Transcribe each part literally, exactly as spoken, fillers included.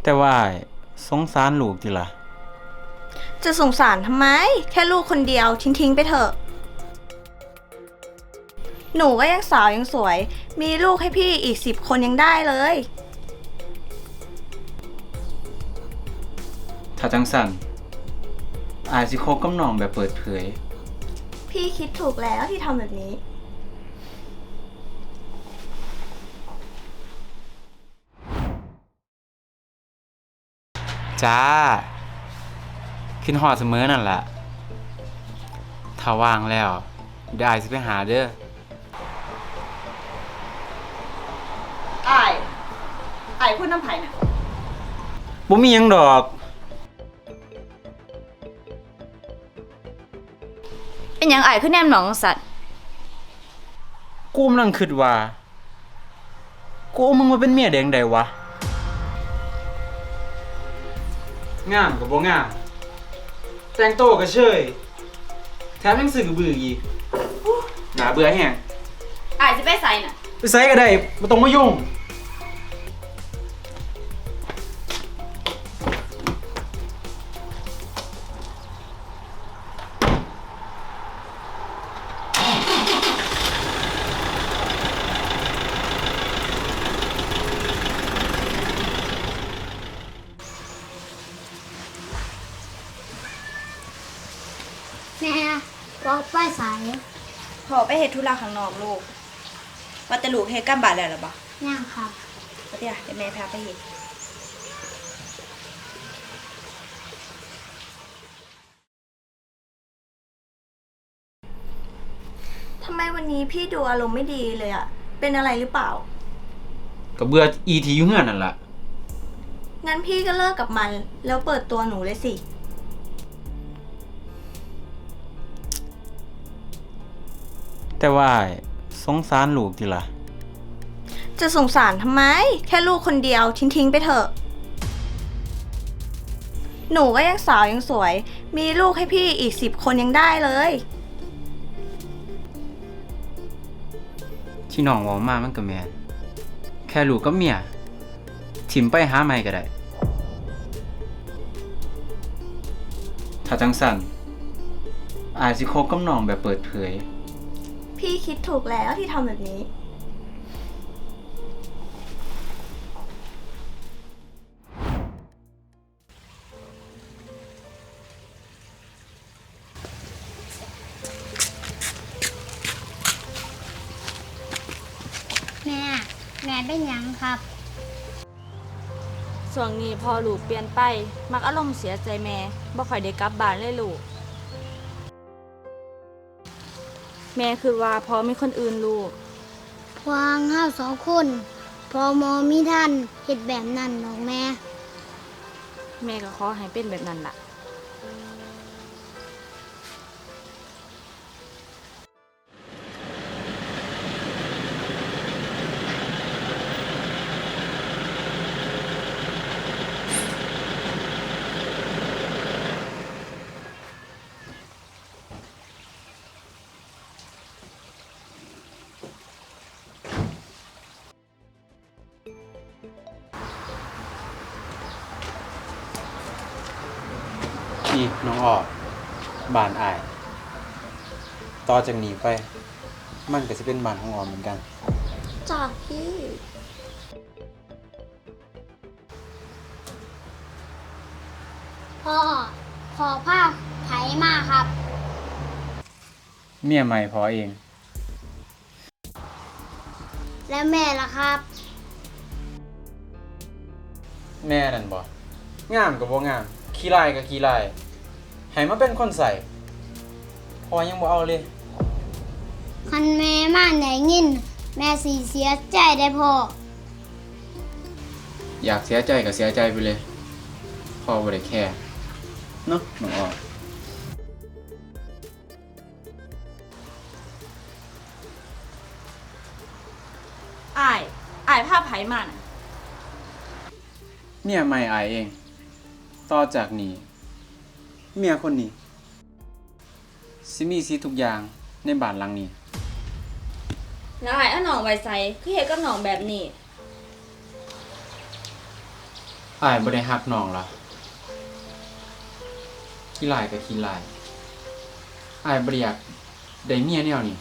แต่ว่าสงสารลูกติล่ะจะสงสารทำไมแค่ลูกคนเดียวทิ้งๆไปเถอะหนูก็ยังสาวยังสวยมีลูกให้พี่อีกสิบคนยังได้เลยถ้าจังสั่นอาจสิคบกับน้องแบบเปิดเผยพี่คิดถูกแล้วที่ทำแบบนี้จ้าขึ้นหอดเสมอนั่นแหละถ้าว่างแล้วได้สิไปหาเด้อไอ้ไอ้พูดน้ำไผ่น่ะบ่มีหยังดอกเป็นหยังไอ้ขึ้นแนมหนองสัตว์กูกำลังคิดว่ากูเอามึงมาเป็นเมียแดงได้วะงามกับบ่งามแต่งโตก็เชยแถมยังสื่อบื้ออีกหนาเบื่อแฮงไอ้จะไปใส่น่ะไปไสก็ได้บ่ต้องมายุ่งแม่บอกไปสายพอไปเฮ็ดธุระข้างนอกลูกว่าแต่ลูกเฮ็ดกำบาดแล้วหรอบ่ย่างครับเดี๋ยวเดี๋ยวแม่พาไปเฮ็ดทำไมวันนี้พี่ดูอารมณ์ไม่ดีเลยอะเป็นอะไรหรือเปล่าก็เบื่ออีทีอยู่เฮือนนั่นล่ะงั้นพี่ก็เลิกกับมันแล้วเปิดตัวหนูเลยสิแต่ว่าสงสารลูกติล่ะจะสงสารทำไมแค่ลูกคนเดียวทิ้งๆไปเถอะหนูก็ยังสาวยังสวยมีลูกให้พี่อีกสิบคนยังได้เลยที่น้องเว้ามามันก็แม่นแค่ลูกกับเมียถิ่มไปหาใหม่ก็ได้ถ้าจังสั่นอาจสิคบกับน้องแบบเปิดเผยพี่คิดถูกแล้วที่ทำแบบนี้แม่แม่เป็นหยังครับส่วนนี้พอลูกเปลี่ยนไปมักอารมณ์เสียใจแม่บ่ค่อยได้กลับบ้านเลยลูกแม่คือว่าพอมีคนอื่นลูกวางห้าสองคนพอมอมีท่านเห็ดแบบนั้นหรอกแม่แม่ก็ขอให้เป็นแบบนั้นล่ะนี่น้องออกบ้านอายต่อจากนี้ไปมันก็จะเป็นบ้านของออมเหมือนกันจากพี่พ่อขอผ้าไถมาครับเมียใหม่พอเองแล้วแม่ล่ะครับแม่นั่นบ่งามก็บ่งามขี้ลายก็ขี้ลายให้มาเป็นคนใส่พอยังบ่เอาเลยคันแม่มาไหนยินแม่สีเสียใจได้พ่ออยากเสียใจก็เสียใจไปเลยพ่อบ่ได้แค่เนาะน้องออมอ้ายอ้ายพาไผมาน่ะเมียใหม่อายเองต่อจากนี้เมียคนนี้สิมีสิทธิ์ทุกอย่างในบ้านหลังนี้แล้วไอ้เอาหนองไว้ใส่คือเฮ็ดกับหนองแบบนี้ออ้ายบ่ได้ฮักน้องล่ะขี้ลายก็ขี้ลายอ้ายบ่ได้อยากได้เมียแนวนี้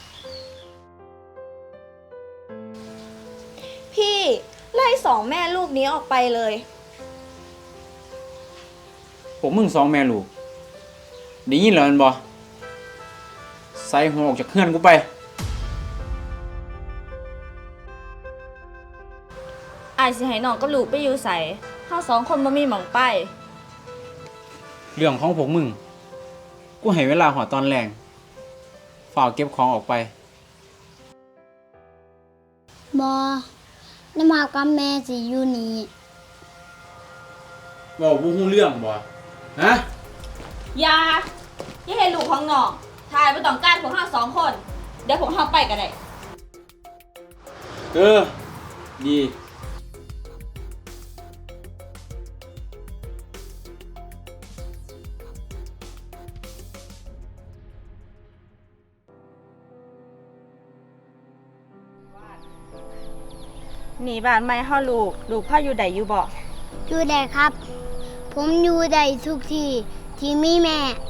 พี่ไล่สองแม่ลูกนี้ออกไปเลยพวกมึงสองแม่ลูกได้ยินแล้วแม่นบ่ใส่หัวออกจากเฮือนกูไปอายสิให้น้องกับลูกไปอยู่ไสเฮาสองคนบ่มีหม่องไปเรื่องของพวกมึงกูให้เวลาหอดตอนแรงฝ่ากเก็บของออกไปบอน้ำมากับแม่สิอยู่นี่บอกบ่ฮู้เรื่องบ่ฮะอย่าอย่าให้ลูกของน้องทายบ่ต้องการพวกเฮาสองคน เดี๋ยวพวกเฮาไปก็ได้เออดีหนีบ้านไม่เฮาลูก ลูกพ่ออยู่ใดอยู่บ่อยู่ได้ครับ ผมอยู่ได้ทุกที่ที่มีแม่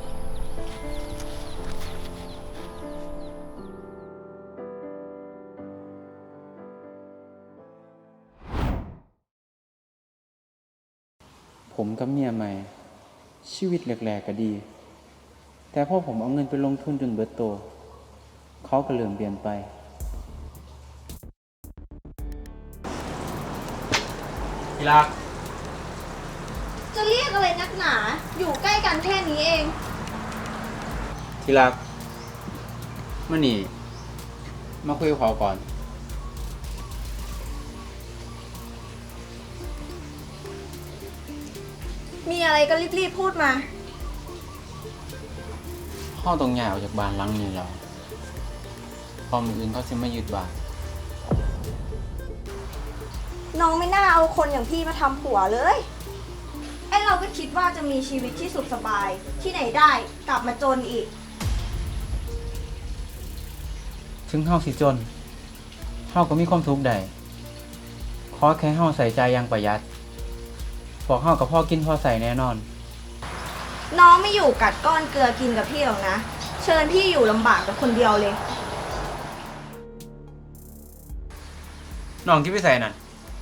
ผมกับเมียใหม่ ชีวิตแรกๆก็ดี แต่พอผมเอาเงินไปลงทุนจนเบิดโต เขาก็เริ่มเปลี่ยนไปที่รักจะเรียกอะไรนักหนา อยู่ใกล้กันแค่นี้เองที่รักมานี่ มาคุยกับเขาก่อนมีอะไรก็รีบๆพูดมาเข้าตรงใหญ่ออกจากบ้านหลังนี้แล้วพอมืออื่นเขาสิมายึดบ้านน้องไม่น่าเอาคนอย่างพี่มาทำผัวเลยไอเราก็คิดว่าจะมีชีวิตที่สุขสบาย ที่ไหนได้กลับมาจนอีกถึงเฮาสิจนเฮาก็มีความทุกข์ได้ขอแค่เฮาใส่ใจอย่างประหยัดพวกเฮากับพ่อกินพ่อใส่แน่นอนน้องไม่อยู่กัดก้อนเกลือกินกับพี่หรอกนะ เชิญพี่อยู่ลำบากกับคนเดียวเลยน้องคิดไปใส่นั่น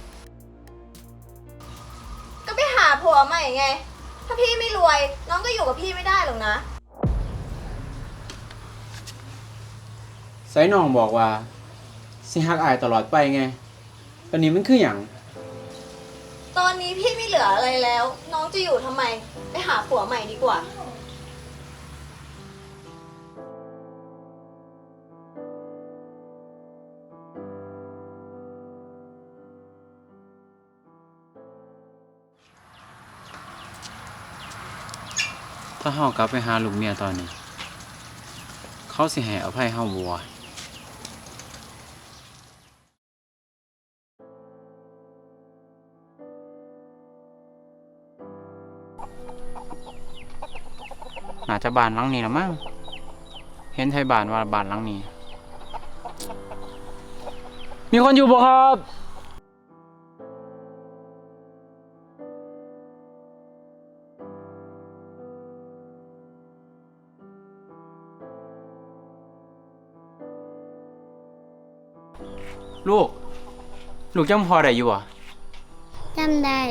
ก็ไปหาผัวใหม่ไง ถ้าพี่ไม่รวย น้องก็อยู่กับพี่ไม่ได้หรอกนะใส่น้องบอกว่าสิฮักอายตลอดไปไงตอนนี้มันคือหยังตอนนี้พี่ไม่เหลืออะไรแล้ว น้องจะอยู่ทำไม ไปหาผัวใหม่ดีกว่าถ้าเฮากลับไปหาลูกเมียตอนนี้ เขาสิให้อภัยเฮาบ่วะน่าจะบ้านหลังนี้ละมั้งเห็นไทยบ้านว่าบ้านหลังนี้ มีคนอยู่บ่ครับ ลูก ลูกจำพอได้อยู่อ่ะจำได้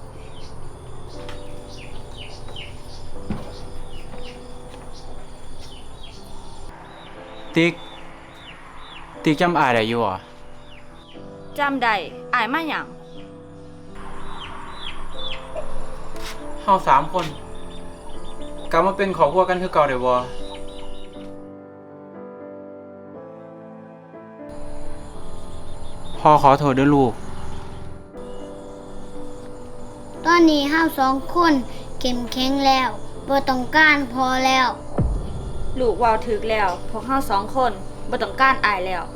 ติ๊ก ติ๊กจำอายได้อยู่อ่ะจำได้อายมาหยังเฮาสามคนกลับมาเป็นครอบครัวกันคือเก่าได้บ่ พ่อขอโทษด้วยลูกตอนนี้ห้าสองคนเข้มแข็งแล้วบ่ต้องการพอแล้วลูกเว้าถึกแล้ว พวกเฮาสองคนบ่ต้องการอายแล้ว